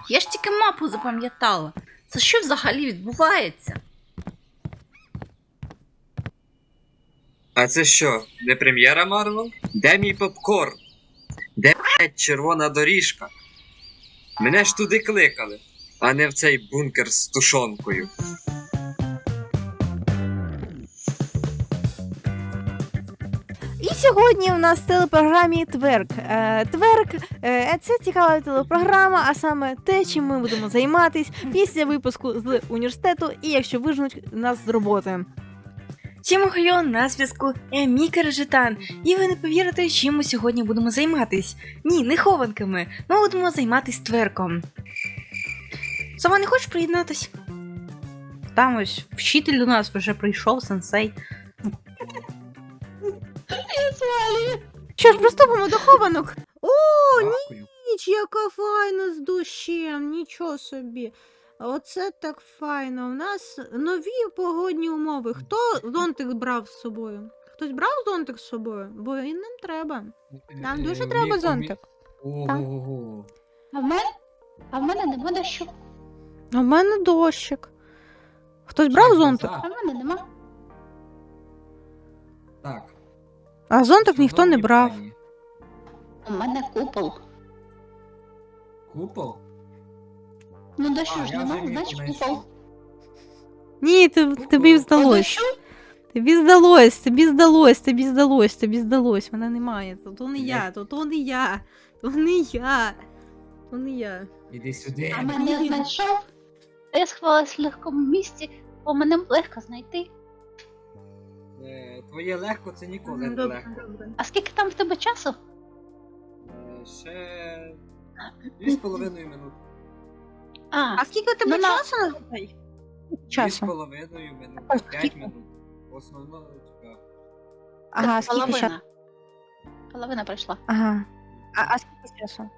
Я ж тільки мапу запам'ятала. Це що взагалі відбувається? А це що, не прем'єра Марвел? Де мій попкорн? Де блядь, червона доріжка? Мене ж туди кликали, а не в цей бункер з тушонкою. І сьогодні у нас в телепрограмі Тверк. Тверк це цікава телепрограма, а саме те, чим ми будемо займатись після випуску з університету і якщо виженуть нас з роботи. Всім охайо, на зв'язку Міка Режетан. І ви не повірите, чим ми сьогодні будемо займатись. Ні, не хованками, ми будемо займатись тверком. Сама не хочеш приєднатись? Там ось вчитель до нас вже прийшов, сенсей. Що ж, приступимо до хованок. О, ніч, яка файна з дощем, нічого собі. Оце так файно. У нас нові погодні умови. Хто зонтик брав з собою? Хтось брав зонтик з собою? Бо він нам треба. Нам дуже треба зонтик. Ого. А в мене нема дощу. А в мене дощик. Хтось брав зонтик? А в мене нема. Так. А зонтик ніхто не брав. У мене купол. Купол? Ну дощу ж нема, значить купол. Ні, тобі По здалось. дощу? Тобі здалось. Мене немає. То не я. Іди сюди. А мене знайшов. Я сховалась в легкому місці, бо мене легко знайти. Твоє легко це ніколи не легко. А скільки там в тебе часу? Ще 2,5 минути. А скільки у тебе Ну, на- часу? 2,5 минути, 5 минут. Основно, така. Ага, скільки часу? Половина пройшла. Ага. А скільки часу?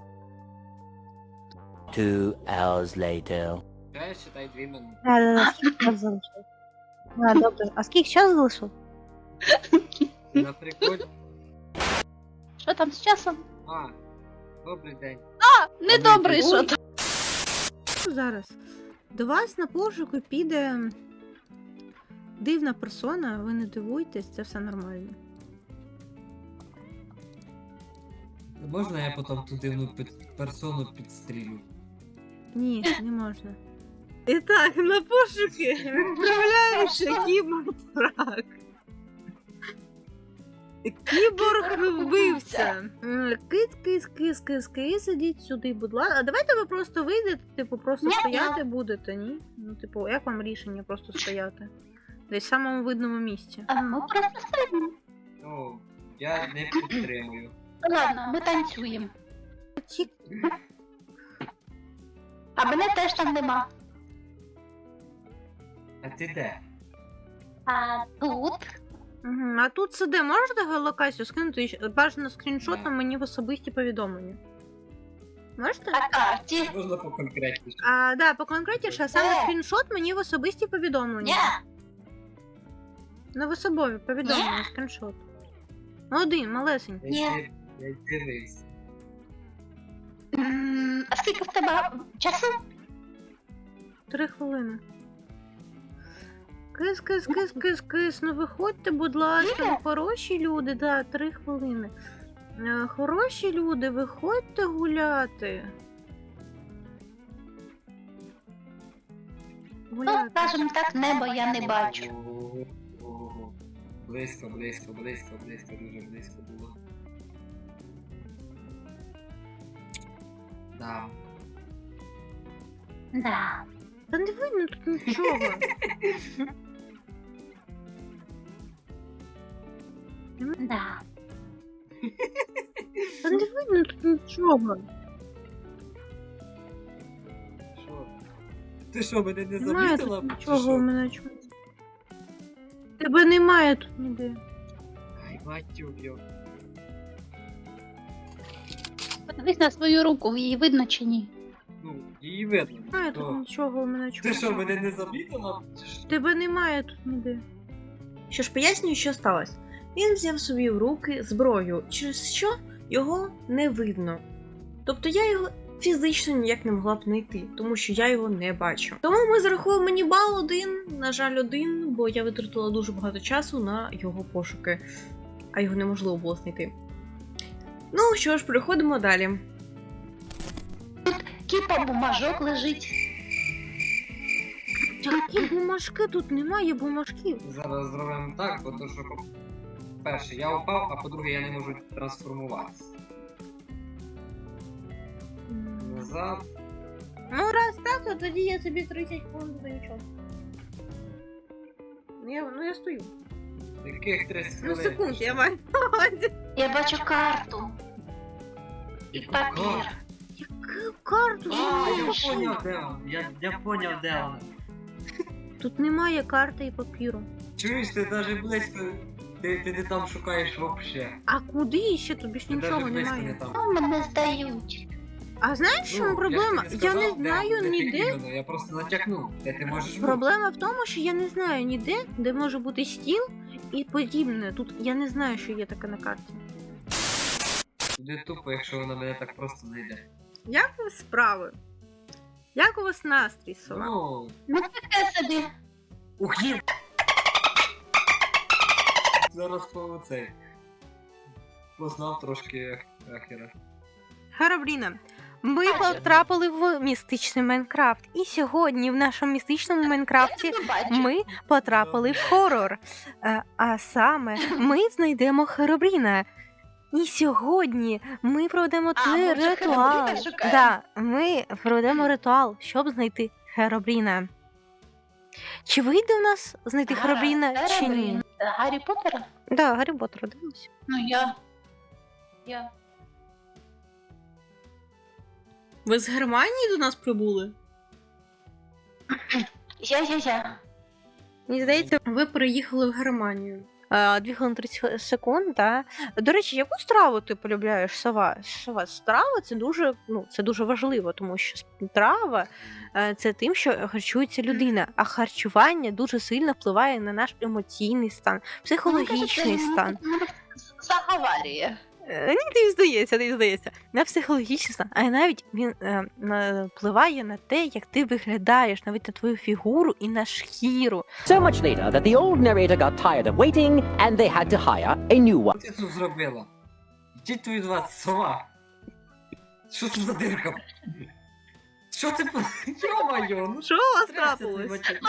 2 hours later. Ще, считай, 2 минути. Да, скільки часу залишилось? Добре. А скільки часу залишилось? Наприклад. Що там з часом? Добрий день. Недобре, що там? Зараз. До вас на пошуку піде дивна персона, ви не дивуйтесь, це все нормально. Можна я потім ту дивну персону підстрілю? Ні, не можна. І так, на пошуки відправляємося кіборг. Кіборг вбивця. Кис, ідіть сюди, будь ласка. А давайте ви просто вийдете, типу, просто Ні. стояти будете, ні? Ну, типу, як вам рішення просто стояти? Десь в самому видному місці. А ми просто стоїмо. Ну, я не підтримую. Ладно, ми танцюємо. А мене теж там нема. А ти де? А тут? Угу. А тут сиде, можете геолокацію скинути бажано скріншотом Да. мені в особисті повідомлення? Можете? На карті. Можна поконкретніше. Да, поконкретніше, а саме скріншот мені в особисті повідомлення. Ні. На в особові повідомлення, скріншот. Один, малесенький. Ні. Я дивився. А скільки в тебе часу? 3 хвилини. Кис. Ну виходьте, будь ласка, ну, хороші люди, да, 3 хвилини. Хороші люди, виходьте гуляти. Ну, скажімо так, небо я не бачу. Ого. Близько, дуже близько було. Да. Да. Та не видно тут нічого. Да. Та не видно тут нічого. Що? Ти що, мене не Немає замітила? тут чи нічого що? у мене чому. Тебе немає тут ніде. Ай, матюк, йо. Подивись на свою руку, її видно чи ні? Ну, її видно. Немає тут Що? нічого у мене чому. Ти що, мене не замітила? Чи що? Тебе немає тут ніде. Що ж, пояснюю, що сталося. Він взяв собі в руки зброю, через що його не видно. Тобто я його фізично ніяк не могла б знайти, тому що я його не бачу. Тому ми зарахуємо мені бал 1, на жаль, 1, бо я витратила дуже багато часу на його пошуки, а його неможливо було знайти. Ну що ж, переходимо далі. Кіпа бумажок лежить. Які бумажки? Тут немає бумажків. Зараз зробимо так, бо то, що по-перше, я упав, а по-друге, я не можу трансформуватися. Назад. Ну, раз так, то тоді я собі 30 хвилин до нічого. Я стою. Яких 30 Ну, хвилин? секунд, я маю. Я бачу карту. І папір. Яку карту? А, я Боже, поняв, де він. Я поняв, де він. тут немає карти і папіру. Чуєш, ти навіть близько, ти не там шукаєш вообще. А куди ще? Тобі ж Ти нічого навіть близько не немає. там. Ну, мене здають. А знаєш, в чому проблема? ж тобі Я не сказав, знаю де ти ніде. іменно, я просто натякнув, де ти можеш бути. Проблема в тому, що я не знаю ніде, де може бути стіл і подібне. Тут я не знаю, що є таке на карті. Буде тупо, якщо вона мене так просто знайде. Як у вас справи? Як у вас настрій, сова? Ну, Ну таке собі. ух, є! Зараз по цей. Познав трошки ахера. Харабріна, ми потрапили в містичний Майнкрафт. І сьогодні в нашому містичному Майнкрафті Я не бачу. ми потрапили в хорор. А саме ми знайдемо Харабріна. І сьогодні ми проведемо А, той ми вже ритуал. Херобріна шукаємо? Да, ми проведемо ритуал, щоб знайти Харабріна. Чи вийде в нас знайти Харабріна, чи ні? Гаррі Поттера? Да, Гаррі Поттера, дивимося. Ну я. Ви з Германії до нас прибули? Я. Мені здається, Ви переїхали в Германію. 2 хвилини 30 секунд, да. До речі, яку страву ти полюбляєш, сова? Страва це дуже важливо, тому що страва це тим, що харчується людина, а харчування дуже сильно впливає на наш емоційний стан, психологічний стан. Заговарює. Ні, тобі здається. На психологічний стан, а навіть він впливає на те, як ти виглядаєш, навіть на твою фігуру і на шкіру. So much later that the old narrator got tired of waiting and they had to hire a new one. Що ти тут зробила? Йдіть від вас, сова! Що це за дирка? Що ти... Йо-моє, ну Що у вас трясся цей трапилось? батюк.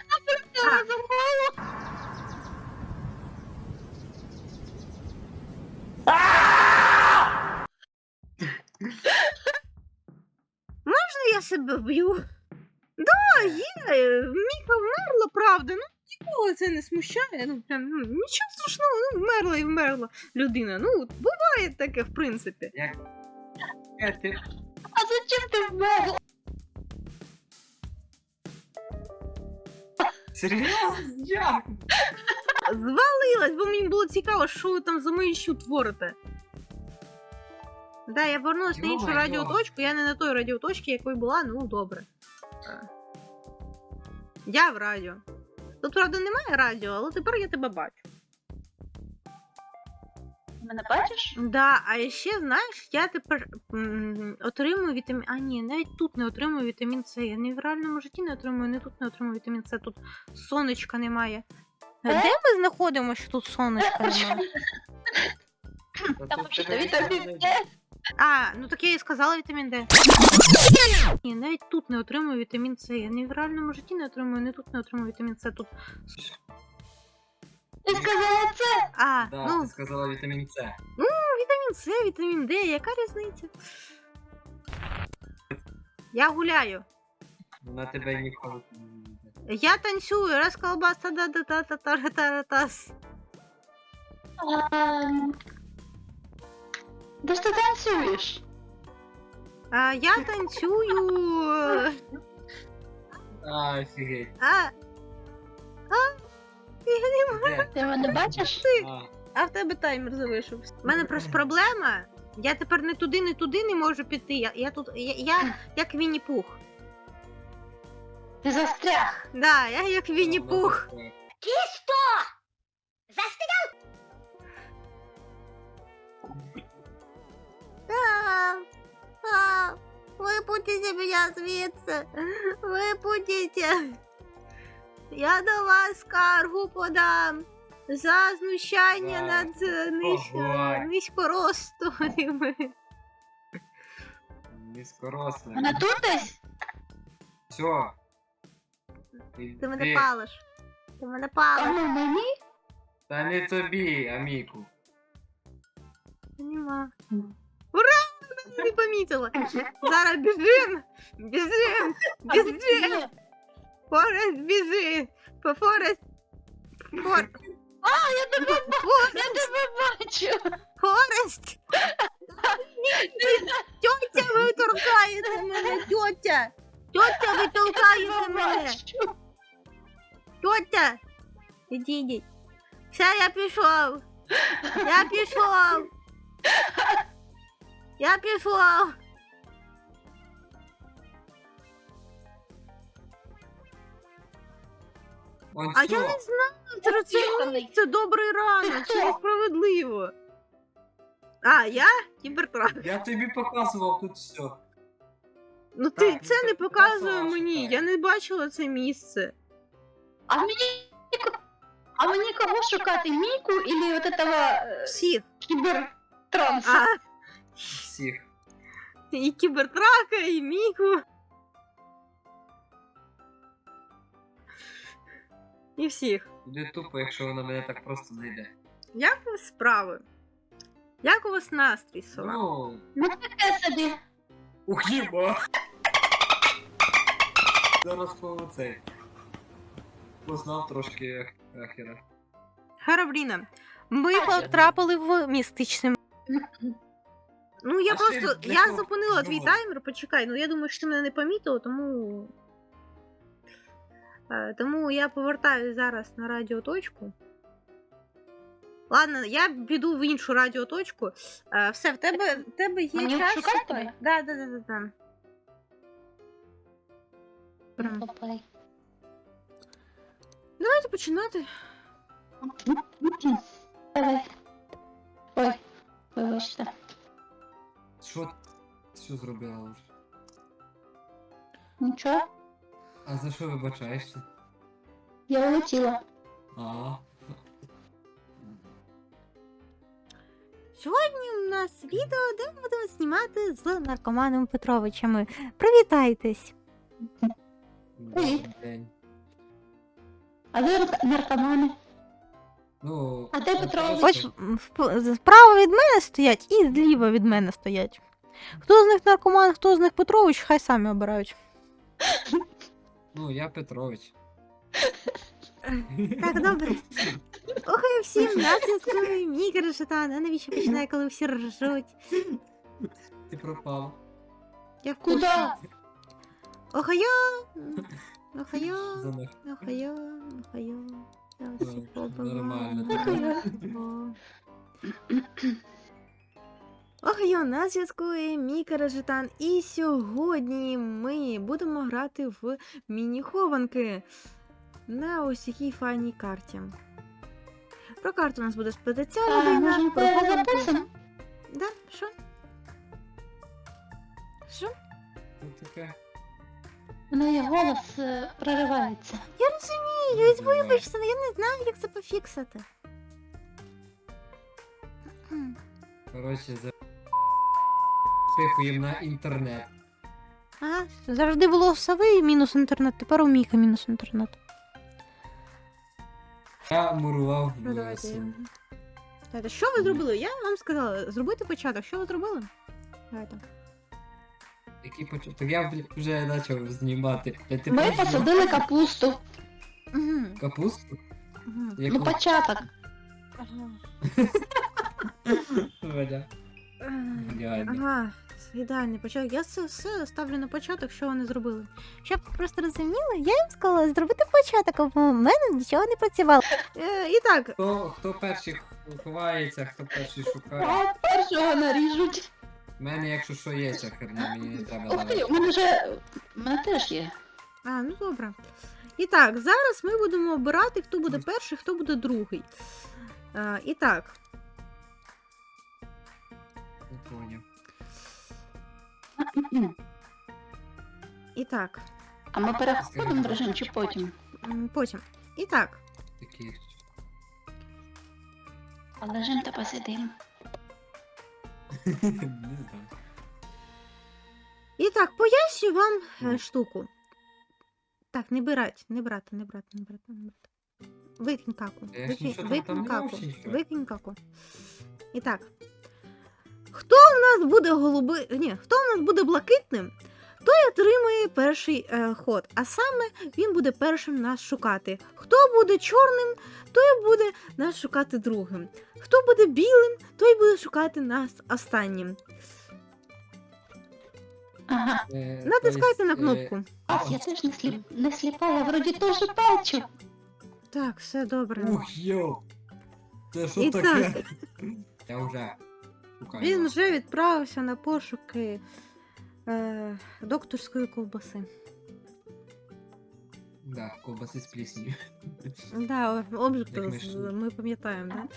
Я себе вб'ю. Да, є, Міка вмерла, правда. Ну, нікого це не смущає. Ну, прям, нічого страшного, вмерла і вмерла людина. Ну, буває таке, в принципі. Як ти... А зачем ти вмерла? Серйозно? Як? Звалилась, бо мені було цікаво, що ви там за маячню творите. Да, я повернулась на іншу Йо-моє. радіоточку, я не на той радіоточці, якою була, ну добре. Я в радіо. Тут, правда, немає радіо, але тепер я тебе бачу. Ти мене бачиш? Да, а ще, знаєш, я тепер отримую вітамін... А ні, навіть тут не отримую вітамін С. Я не в реальному житті не отримую, не тут не отримую вітамін С. Тут сонечка немає. Де ми знаходимо, що тут сонечка немає? Там взагалі вітамін Д. А, ну так я і сказала вітамін Д. Ні, навіть тут не отримую вітамін С. Я не в реальному житті не отримую, не тут не отримую вітамін С. Тут... Ти сказала це? А, Да, ну, ти сказала вітамін С. вітамін С, вітамін Д, яка різниця? Я гуляю. Вона тебе ніколи не буде. Я танцюю, раз колбас та да та та та та та тас. Де ж ти танцюєш? А я танцюю. А, офігеть. Де? Ти мене бачиш? А в тебе таймер залишився. У мене просто проблема. Я тепер не туди не можу піти. Я тут. Я як Вінні-Пух. Ти застряг. Да, я як Вінні-Пух. випустіть мене звідси. Випустіть. Я до вас скаргу подам. За знущання Так. над Ой. низькорослими. Низькорослий. Вона тут десь? Все. Ти мене палиш. Ти мене палиш. Кому мені? Та не тобі, Аміку. Нема. Ура! Вона не помітила. Зараз біжим. Біжим. Біжим. Форест, біжи. Форест. Я тебе бачу. Форест. Тьотя, ви торкаєте мене, тьотя. Тьотя, ви толкаєте мене. Бачу. Тьотя. Ідіть. Все, я пішов. Я пішов. Я пішов. Он А все. я не знаю, це добрий ранок, це несправедливо. А, я кібертрак. Я тобі показував тут все. Ну Так, ти ну це ти не показує показала, мені, шукай. я не бачила це місце. А мені кого шукати? Міку или вот этого Всіх. кібертранса? А, Всіх. і кібертрака, і Міку. І всіх. Буде тупо, якщо вона мене так просто знайде. Як у вас справи? Як у вас настрій, сова? Ну, Ну таке собі. ух, їба! Зараз по цей. Познав трошки ахера. Харабріна, ми потрапили в містичне. Ну, я А просто. ще для Я кого зупинила твій думала? таймер, почекай. Ну я думаю, що ти мене не помітила, тому. Тому я повертаюсь зараз на радіоточку. Ладно, я піду в іншу радіоточку. Все, в тебе є Мені час. шукати шукай. тебе? Да. Попай. Давайте починати. Давай. Ой, вибачте. Що зробила вже? Нічого, А за що вибачаєшся? я улетіла. А. Сьогодні у нас відео, де ми будемо знімати з наркоманом Петровичами. Привітайтесь! Привіт. Добрий день. А де наркомани? Ну, А де от Петрович? просто- Ось справа від мене стоять і зліва від мене стоять. Хто з них наркоман, хто з них Петрович, хай самі обирають. Ну, я Петрович. Так, добре. Охай всім, на зв'язку мій Карашатан. А навіщо починає, коли всі ржуть? Ти пропала. Я в Куди? курсі. Охайо! Охайо! За них. Охайо! Охайо! Я всіх Ну, побила. нормально. Охайо! Охайо, на зв'язку мій Карашатан. І сьогодні ми будемо грати в міні-хованки на ось такій файній карті. Про карту у нас буде спитатися А, людина. може, Про тебе хованки. записано? Да, що? Що? Ну, таке. У неї голос проривається. Я розумію, Давай. вибачте, але я не знаю, як це пофіксити. Коротше, спихуємо на інтернет. Ага, завжди було у Сави мінус інтернет, тепер у Міка мінус інтернет. Я мурував Ну, в давайте. сумку. Давайте, що ви зробили? Я вам сказала, зробити початок. Що ви зробили? Давайте. Який початок? Я вже почав знімати. Ти Ми просто посадили капусту. Угу. капусту? Угу. Яку? Ну, початок. Ага. Валя. Ідеально. Ага, це ідеальний початок. Я це все ставлю на початок, що вони зробили. Щоб ви просто розуміли, я їм сказала зробити початок, а в мене нічого не працювало. І так, Хто перший ховається, хто перший шукає. А першого наріжуть. У мене, якщо що, є ця херня, мені не треба Ух ти, давати. у мене вже... У мене теж є. ну добре. І так, зараз ми будемо обирати, хто буде перший, хто буде другий. І так, Не поняв. І так, А ми переходимо в режим чи потім? потім. І так, Таких. А лежим та посидим. Не знаю. і так, поясню вам Ну. штуку. Так, не брати. Викинь каку. Я ж нічого там Викинь не каку. мав ще. Викинь каку. І так. Хто в нас буде хто в нас буде блакитним, той отримує перший ход. А саме він буде першим нас шукати. Хто буде чорним, той буде нас шукати другим. Хто буде білим, той буде шукати нас останнім. Ага. Натискайте на Тобто, кнопку. Я теж не сліпа, я вроді теж бачу. Так, все добре. Ух, йо! Це що І таке? Я вже шукаю. Він вас. вже відправився на пошуки докторської ковбаси. Да, ковбаси з плісню. Да, обжиг Як ми ж- ми пам'ятаємо, да?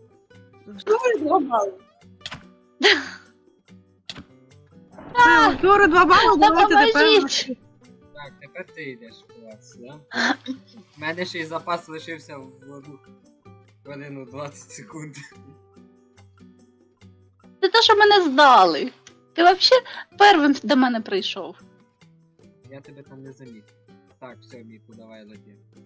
Вчора 2 бали, давайте тепер. Допоможіть! Так, тепер ти йдеш клас, да? У мене ще й запас лишився в 1 20 секунд. Це те, що мене здали. Ти взагалі первим до мене прийшов. Я тебе там не замітив. Так, все, Міку, давай лети.